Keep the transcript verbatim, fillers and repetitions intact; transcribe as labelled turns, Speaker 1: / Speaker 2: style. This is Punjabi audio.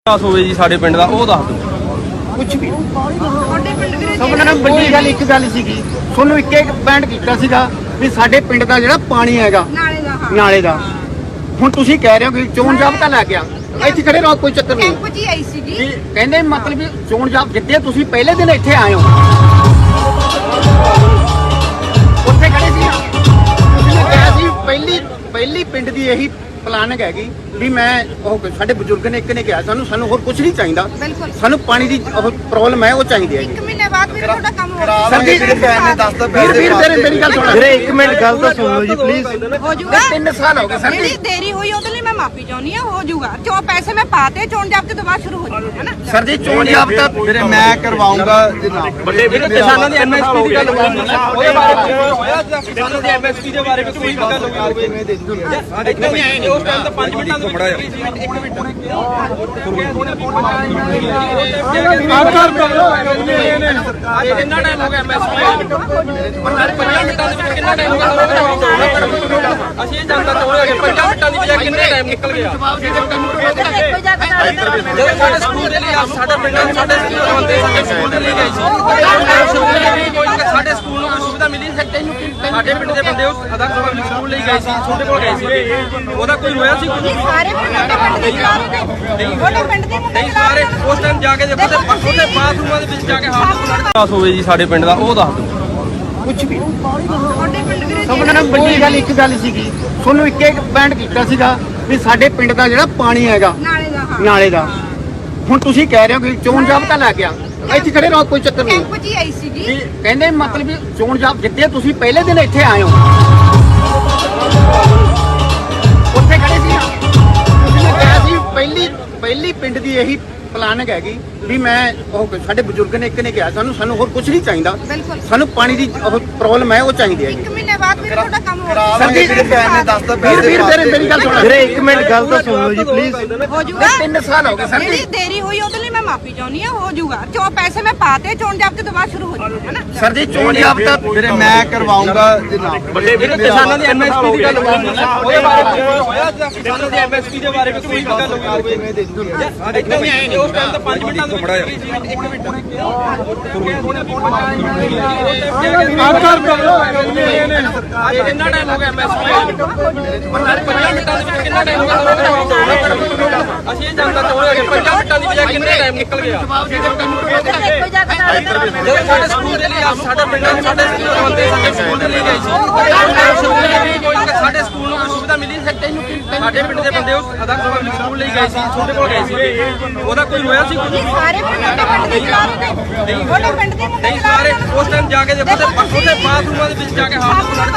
Speaker 1: ਦਸ ਹੋਵੇ ਜੀ ਸਾਡੇ ਪਿੰਡ ਦਾ ਉਹ ਦੱਸ ਦਿਓ।
Speaker 2: ਕੁਝ ਵੀ ਸਭ ਨਾਲ ਵੱਡੀ ਗੱਲ ਇੱਕ ਗੱਲ ਸੀਗੀ, ਤੁਹਾਨੂੰ ਇੱਕ ਇੱਕ ਪੁਆਇੰਟ ਕੀਤਾ ਸੀਗਾ ਵੀ ਸਾਡੇ ਪਿੰਡ ਦਾ ਜਿਹੜਾ ਪਾਣੀ ਹੈਗਾ
Speaker 3: ਨਾਲੇ ਦਾ ਹਾਂ
Speaker 2: ਨਾਲੇ ਦਾ, ਹੁਣ ਤੁਸੀਂ ਕਹਿ ਰਹੇ ਹੋ ਕਿ ਚੋਣ ਜਾਬਤਾ ਲੈ ਗਿਆ, ਇੱਥੇ ਖੜੇ ਰਹੋ ਕੋਈ ਚੱਕਰ ਨਹੀਂ।
Speaker 3: ਕੈਂਪ 'ਚ ਹੀ ਆਈ ਸੀਗੀ।
Speaker 2: ਵੀ ਕਹਿੰਦੇ ਮਤਲਬ ਵੀ ਚੋਣ ਜਾਬ ਜਿੱਤੇ ਤੁਸੀਂ ਪਹਿਲੇ ਦਿਨ ਇੱਥੇ ਆਏ ਹੋ, ਉੱਥੇ ਖੜੇ ਸੀ ਨਾ, ਤੁਸੀਂ ਨੇ ਕਿਹਾ ਸੀ ਪਹਿਲੀ ਪਹਿਲੀ ਪਿੰਡ ਦੀ ਇਹੀ ਪਲਾਨਿੰਗ ਹੈਗੀ ਵੀ ਮੈਂ ਉਹ ਸਾਡੇ ਬਜ਼ੁਰਗ ਨੇ ਇੱਕ ਨੇ ਕਿਹਾ ਸਾਨੂੰ ਸਾਨੂੰ ਹੋਰ ਕੁਝ ਨਹੀਂ ਚਾਹੀਦਾ,
Speaker 3: ਬਿਲਕੁਲ
Speaker 2: ਸਾਨੂੰ ਪਾਣੀ ਦੀ ਉਹ ਪ੍ਰੋਬਲਮ ਹੈ ਉਹ ਚਾਹੀਦੀ ਹੈ।
Speaker 3: ਇੱਕ ਮਹੀਨੇ ਬਾਅਦ ਵੀ ਤੁਹਾਡਾ ਕੰਮ ਹੋ
Speaker 2: ਸਰ ਜੀ ਵੀਰ ਵੀਰ ਤੇਰੇ ਮੇਰੀ ਗੱਲ ਸੁਣੋ
Speaker 4: ਵੀਰੇ, ਇੱਕ ਮਿੰਟ ਗੱਲ ਤਾਂ ਸੁਣ ਲਓ ਜੀ ਪਲੀਜ਼।
Speaker 3: ਹੋ ਜਾਊਗਾ।
Speaker 2: ਤਿੰਨ ਸਾਲ ਹੋ ਗਏ ਸਰ
Speaker 3: ਜਿਹੜੀ
Speaker 2: ਜੀ।
Speaker 3: ਦੇਰੀ ਹੋਈ ਉਹਦੇ ਲਈ ਮੈਂ ਮਾਫੀ ਚਾਹੁੰਦੀ ਹਾਂ, ਹੋ ਜਾਊਗਾ। ਜੋ ਪੈਸੇ ਮੈਂ ਪਾਤੇ ਚੋਣ ਜਾਬਤੇ ਤੋਂ ਬਾਅਦ ਸ਼ੁਰੂ ਹੋ ਜਾਊਗਾ ਹੈ ਨਾ।
Speaker 2: ਸਰ ਜੀ ਚੋਣ ਜਾਬਤਾ
Speaker 4: ਵੀਰੇ ਮੈਂ ਕਰਵਾਉਂਗਾ ਜਨਾਬ।
Speaker 1: ਵੱਡੇ ਵੀਰ ਕਿਸਾਨਾਂ ਦੀ ਐਮਐਸਪੀ ਦੀ ਗੱਲ ਹੋਈ, ਉਹਦੇ ਬਾਰੇ ਹੋਇਆ ਕਿਸਾਨਾਂ ਦੀ ਐਮਐਸਪੀ ਦੇ ਬਾਰੇ ਕੋਈ ਗੱਲ ਹੋਵੇ ਇੱਥੇ ਨਹੀਂ ਆਏ ਨੇ ਉਸ ਟਾਈਮ ਤਾਂ ਪੰਜ ਮਿੰਟਾਂ ਦੇ ਵਿੱਚ ਇੱਕ ਮਿੰਟ ਅੱਜ ਕਿੰਨਾ ਟਾਈਮ ਹੋ ਗਿਆ ਐਮਐਸਪੀ ਪੰਜਾਂ ਮਿੰਟਾਂ ਦੇ ਵਿੱਚ ਕਿੰਨਾ ਟਾਈਮ ਹੋ ਗਿਆ? ਅਸੀਂ ਇਹ ਜਾਣਨਾ ਚਾਹੁੰਦੇ ਹਾਂ ਕਿ ਪੰਜਾਂ ਮਿੰਟਾਂ ਦੀ ਬਜਾਏ ਕਿੰਨੇ ਟਾਈਮ ਨਿਕਲ ਗਿਆ? ਜਦੋਂ ਸਾਡੇ ਸਕੂਲ ਦੇ ਲਈ ਸਾਡਾ ਪਿੰਡਾਂ ਦੇ ਸਾਡੇ ਸਕੂਲ ਬੰਦੇ ਸਾਡੇ ਸਕੂਲ ਦੇ ਲਈ ਗਏ ਸੀ, ਸਾਡੇ ਸਕੂਲ ਨੂੰ ਕੋਈ ਸੁਵਿਧਾ ਮਿਲੀ ਨਹੀਂ। ਸਾਡੇ ਪਿੰਡ ਦੇ ਬੰਦੇ ਉਸ ਅਦਾਲਤ ਪਬਲਿਕ ਸਕੂਲ ਲਈ ਗਏ ਸੀ, ਛੋਟੇ ਕੋਲ ਗਏ ਸੀ, ਉਹਦਾ ਕੋਈ ਹੋਇਆ ਸੀ?
Speaker 3: ਸਾਰੇ ਪਿੰਡ ਦੇ ਚਲਾ ਰਹੇ ਨੇ, ਉਹਦੇ ਪਿੰਡ ਦੇ ਮੁੰਡੇ
Speaker 1: ਨਹੀਂ
Speaker 3: ਚਲਾ
Speaker 1: ਸਾਰੇ
Speaker 3: ਰਹੇ ਨੇ।
Speaker 1: ਉਸ ਟਾਈਮ ਜਾ ਕੇ ਦੇਖੋ ਤੇ ਉਹਦੇ ਬਾਥਰੂਮਾਂ ਦੇ ਵਿੱਚ ਜਾ ਕੇ ਹੱਥ ਦਸ ਹੋਵੇ ਜੀ ਸਾਡੇ ਪਿੰਡ ਦਾ ਉਹ ਦੱਸ ਦਿਓ।
Speaker 2: ਕੁਝ ਵੀ
Speaker 3: ਤੁਹਾਡੇ ਪਿੰਡ ਦੇ
Speaker 2: ਸਭ ਨਾਲ ਵੱਡੀ ਗੱਲ ਇੱਕ ਗੱਲ ਸੀਗੀ, ਤੁਹਾਨੂੰ ਇੱਕ ਇੱਕ ਪੁਆਇੰਟ ਕੀਤਾ ਸੀਗਾ ਵੀ ਸਾਡੇ ਪਿੰਡ ਦਾ ਜਿਹੜਾ ਪਾਣੀ ਹੈਗਾ
Speaker 3: ਨਾਲੇ ਦਾ ਹਾਂ
Speaker 2: ਨਾਲੇ ਦਾ, ਹੁਣ ਤੁਸੀਂ ਕਹਿ ਰਹੇ ਹੋ ਕਿ ਚੋਣ ਜਾਬਤਾ ਲੈ ਗਿਆ, ਇੱਥੇ ਖੜੇ ਰਹੋ ਕੋਈ ਚੱਕਰ ਨਹੀਂ।
Speaker 3: ਕੈਂਪ 'ਚ ਹੀ ਆਈ ਸੀਗੀ।
Speaker 2: ਵੀ ਕਹਿੰਦੇ ਮਤਲਬ ਵੀ ਚੋਣ ਜਾਬ ਜਿੱਤੇ ਤੁਸੀਂ ਪਹਿਲੇ ਦਿਨ ਇੱਥੇ ਆਏ ਹੋ, ਉੱਥੇ ਖੜੇ ਸੀ ਨਾ, ਤੁਸੀਂ ਨੇ ਕਿਹਾ ਸੀ ਪਹਿਲੀ ਪਹਿਲੀ ਪਿੰਡ ਦੀ ਇਹੀ ਪਲਾਨਿੰਗ ਹੈਗੀ ਵੀ ਮੈਂ ਉਹ ਸਾਡੇ ਬਜ਼ੁਰਗ ਨੇ ਇੱਕ ਨੇ ਕਿਹਾ ਸਾਨੂੰ ਸਾਨੂੰ ਹੋਰ ਕੁਝ ਨਹੀਂ ਚਾਹੀਦਾ,
Speaker 3: ਬਿਲਕੁਲ
Speaker 2: ਸਾਨੂੰ ਪਾਣੀ ਦੀ ਉਹ ਪ੍ਰੋਬਲਮ ਹੈ ਉਹ ਚਾਹੀਦੀ ਹੈ।
Speaker 3: ਇੱਕ ਮਹੀਨੇ ਬਾਅਦ ਵੀ ਤੁਹਾਡਾ ਕੰਮ ਹੋ
Speaker 2: ਸਰ ਜੀ ਵੀਰ ਵੀਰ ਤੇਰੇ ਮੇਰੀ ਗੱਲ ਸੁਣੋ
Speaker 4: ਵੀਰੇ, ਇੱਕ ਮਿੰਟ ਗੱਲ ਤਾਂ ਸੁਣ ਲਓ ਜੀ ਪਲੀਜ਼।
Speaker 3: ਹੋ ਜਾਊਗਾ।
Speaker 2: ਤਿੰਨ ਸਾਲ ਹੋ ਗਏ ਸਰ
Speaker 3: ਜਿਹੜੀ
Speaker 2: ਜੀ।
Speaker 3: ਦੇਰੀ ਹੋਈ ਉਹਦੇ ਲਈ ਮੈਂ ਮਾਫੀ ਚਾਹੁੰਦੀ ਹਾਂ, ਹੋ ਜਾਊਗਾ। ਜੋ ਪੈਸੇ ਮੈਂ ਪਾਤੇ ਚੋਣ ਜਾਬਤੇ ਤੋਂ ਬਾਅਦ ਸ਼ੁਰੂ ਹੋ ਜਾਊਗਾ ਹੈ ਨਾ।
Speaker 2: ਸਰ ਜੀ ਚੋਣ ਜਾਬਤਾ
Speaker 4: ਵੀਰੇ ਮੈਂ ਕਰਵਾਉਂਗਾ ਜਨਾਬ।
Speaker 1: ਵੱਡੇ ਵੀਰ ਕਿਸਾਨਾਂ ਦੀ ਐਮਐਸਪੀ ਦੀ ਗੱਲ ਹੋਈ, ਉਹਦੇ ਬਾਰੇ ਹੋਇਆ ਕਿਸਾਨਾਂ ਦੀ ਐਮਐਸਪੀ ਦੇ ਬਾਰੇ ਕੋਈ ਗੱਲ ਹੋਵੇ ਇੱਥੇ ਨਹੀਂ ਆਏ ਨੇ ਉਸ ਟਾਈਮ ਤਾਂ ਪੰਜ ਮਿੰਟਾਂ ਦੇ ਵਿੱਚ ਇੱਕ ਮਿੰਟ ਅੱਜ ਕਿੰਨਾ ਟਾਈਮ ਹੋ ਗਿਆ ਐਮਐਸਪੀ ਪੰਜਾਂ ਮਿੰਟਾਂ ਦੇ ਵਿੱਚ ਕਿੰਨਾ ਟਾਈਮ ਹੋ ਗਿਆ? ਅਸੀਂ ਇਹ ਜਾਣਨਾ ਚਾਹੁੰਦੇ ਹਾਂ ਕਿ ਪੰਜਾਂ ਮਿੰਟਾਂ ਦੀ ਬਜਾਏ ਕਿੰਨੇ ਟਾਈਮ ਨਿਕਲ ਗਿਆ? ਜਦੋਂ ਸਾਡੇ ਸਕੂਲ ਦੇ ਲਈ ਸਾਡਾ ਪਿੰਡਾਂ ਦੇ ਸਾਡੇ ਸਕੂਲ ਬੰਦੇ ਸਾਡੇ ਸਕੂਲ ਦੇ ਲਈ ਗਏ ਸੀ, ਸਾਡੇ ਸਕੂਲ ਨੂੰ ਕੋਈ ਸੁਵਿਧਾ ਮਿਲੀ ਨਹੀਂ। ਸਾਡੇ ਪਿੰਡ ਦੇ ਬੰਦੇ ਉਸ ਅਦਾਲਤ ਪਬਲਿਕ ਸਕੂਲ ਲਈ ਗਏ ਸੀ, ਛੋਟੇ ਕੋਲ ਗਏ ਸੀ, ਉਹਦਾ ਕੋਈ ਹੋਇਆ ਸੀ?
Speaker 3: ਸਾਰੇ ਪਿੰਡ ਦੇ ਚਲਾ ਰਹੇ ਨੇ, ਉਹਦੇ ਪਿੰਡ ਦੇ ਮੁੰਡੇ
Speaker 1: ਨਹੀਂ
Speaker 3: ਚਲਾ
Speaker 1: ਸਾਰੇ
Speaker 3: ਰਹੇ ਨੇ।
Speaker 1: ਉਸ ਟਾਈਮ ਜਾ ਕੇ ਦੇਖੋ ਤੇ ਉਹਦੇ ਬਾਥਰੂਮਾਂ ਦੇ ਵਿੱਚ ਜਾ ਕੇ ਹੱਥ